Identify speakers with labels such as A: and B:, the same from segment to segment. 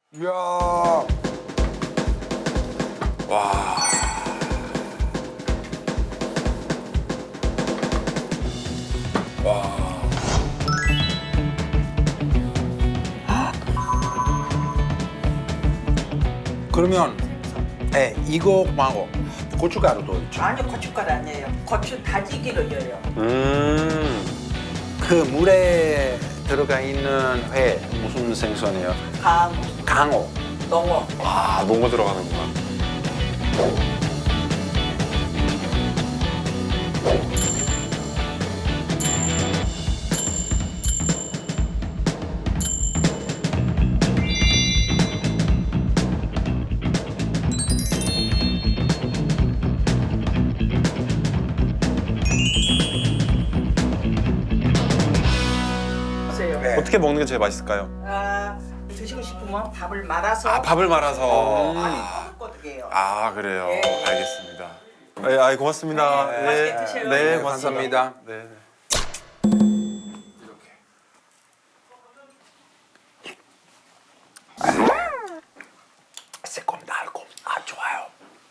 A: 이야.
B: 와.
A: 그러면 이거 말고 고춧가루도 있죠.
C: 아니 고춧가루 아니에요. 고추 다지기로 여요.
A: 그 물에 들어가 있는 회 무슨 생선이에요? 강어.
C: 농어.
B: 아, 농어 들어가는구나.
C: 보세요.
A: 네.
B: 어떻게 먹는 게 제일 맛있을까요?
C: 드시고 싶으면 밥을 말아서
B: 아, 밥을 말아서.
C: 꼬득꼬득해요.
B: 아, 그래요.
C: 네.
B: 알겠습니다. 네, 아이 고맙습니다.
C: 네, 맛있게 드세요.
B: 네,
C: 네,
B: 고맙습니다. 네.
A: 새콤달콤. 좋아요.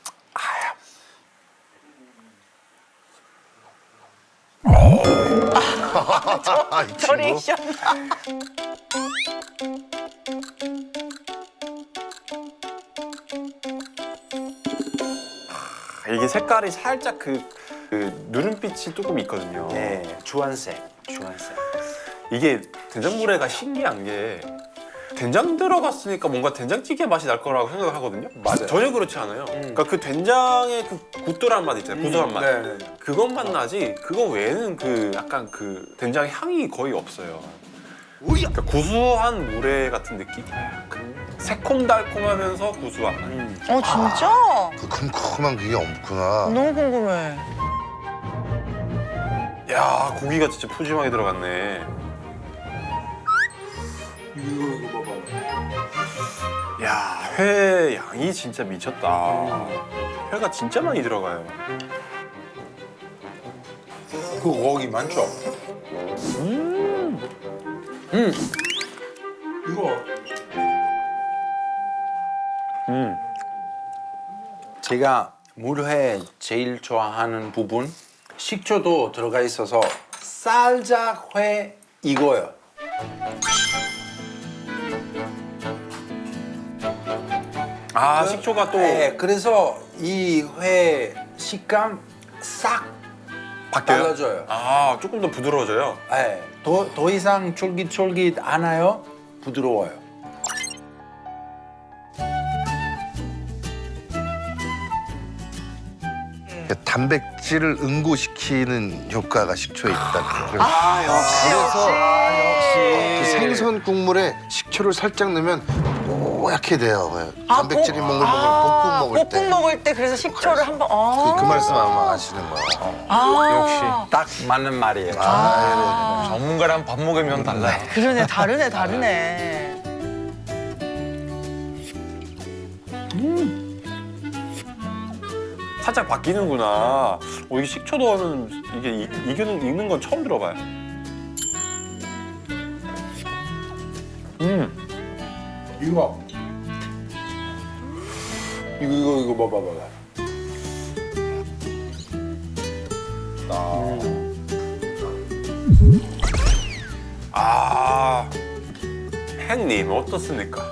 D: 이 친구?
C: 리액션.
B: 이게 색깔이 살짝 그 누른빛이 조금 있거든요.
A: 네, 주황색.
B: 이게 된장물회가 신기한 게 된장 들어갔으니까 뭔가 된장찌개 맛이 날 거라고 생각을 하거든요.
A: 맞아요.
B: 전혀 그렇지 않아요. 그러니까 그 된장의 그 굳돌한 맛 있잖아요. 구수한 맛.
A: 네.
B: 그것만 나지 그거 외에는 그 약간 그 된장 향이 거의 없어요. 그러니까 구수한 물회 같은 느낌? 새콤달콤하면서 구수한 맛.
E: 진짜?
D: 그 큼큼한 그게 없구나.
E: 너무 궁금해.
B: 야, 고기가 진짜 푸짐하게 들어갔네.
A: 이거 봐봐.
B: 야, 회 양이 진짜 미쳤다. 회가 진짜 많이 들어가요.
A: 그 고기 많죠? 이거 제가 물회 제일 좋아하는 부분 식초도 들어가 있어서 살짝 회 이거요.
B: 아, 식초가 또
A: 네, 그래서 이 회 식감 싹
B: 바뀌어요?
A: 달라져요.
B: 아, 조금 더 부드러워져요.
A: 네, 더 이상 쫄깃쫄깃 않아요. 부드러워요.
D: 단백질을 응고시키는 효과가 식초에 있다. 그 생선 국물에 식초를 살짝 넣으면 뽀얗게 돼요. 단백질이 몽글몽글 볶음 먹을 때.
E: 볶음 먹을 때 그래서 식초를 한번.
D: 그 말씀 아마 아시는 거야.
E: 역시.
A: 딱 맞는 말이에요.
B: 전문가랑 밥 먹으면 달라요.
E: 그러네, 다르네.
B: 살짝 바뀌는구나. 이게 식초 넣으면 이게 익는 건 처음 들어봐요.
A: 이거 봐봐.
B: 아, 햇님 어떻습니까?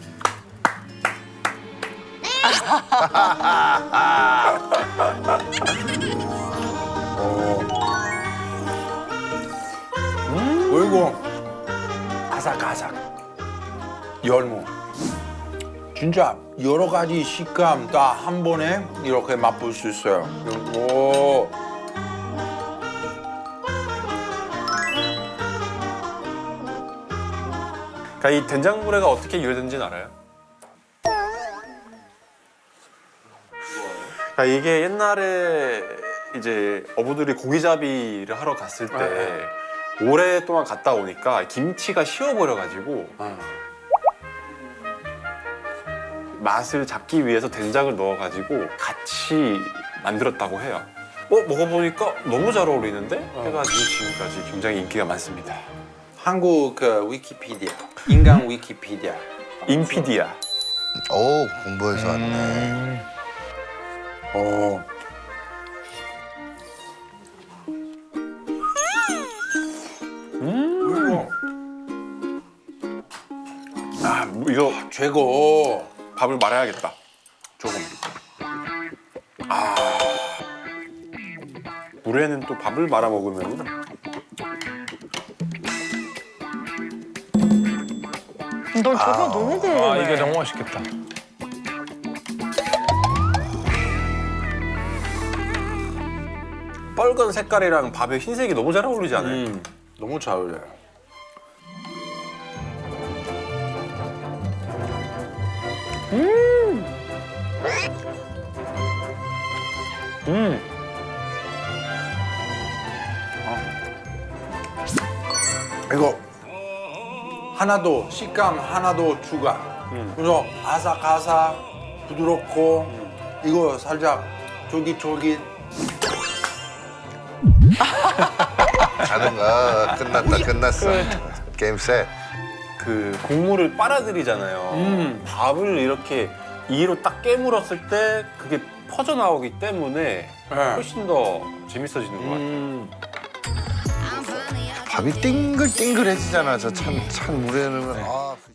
A: 그리고 아삭아삭 열무 진짜 여러 가지 식감 다 한 번에 이렇게 맛볼 수 있어요. 그리고
B: 그러니까 이 된장물회가 어떻게 유래된지는 알아요? 그러니까 이게 옛날에 이제 어부들이 고기잡이를 하러 갔을 때 오랫동안 갔다 오니까 김치가 식어버려가지고 맛을 잡기 위해서 된장을 넣어가지고 같이 만들었다고 해요. 먹어보니까 너무 잘 어울리는데? 해가지고 지금까지 굉장히 인기가 많습니다.
A: 한국 그 위키피디아 인간 위키피디아
B: 인피디아.
D: 오 공부해서 왔네.
A: 어.
B: 아, 이거
A: 최고.
B: 밥을 말아야겠다. 조금. 아. 물에는 또 밥을 말아 먹으면
E: 넌 저거 너무 궁금해.
F: 아 이게 너무 맛있겠다.
B: 빨간 색깔이랑 밥의 흰색이 너무 잘 어울리지 않아요?
A: 너무 잘 어울려요. 이거 하나도 식감 하나도 추가. 그래서 아삭아삭 부드럽고 이거 살짝 쫄깃쫄깃.
D: 가는가 끝났다 끝났어. 게임 셋.
B: 그 국물을 빨아들이잖아요. 밥을 이렇게 이로 딱 깨물었을 때 그게 퍼져 나오기 때문에 훨씬 더 재밌어지는 것 같아요.
D: 밥이 띵글띵글해지잖아. 저 찬 물에 넣으면. 아.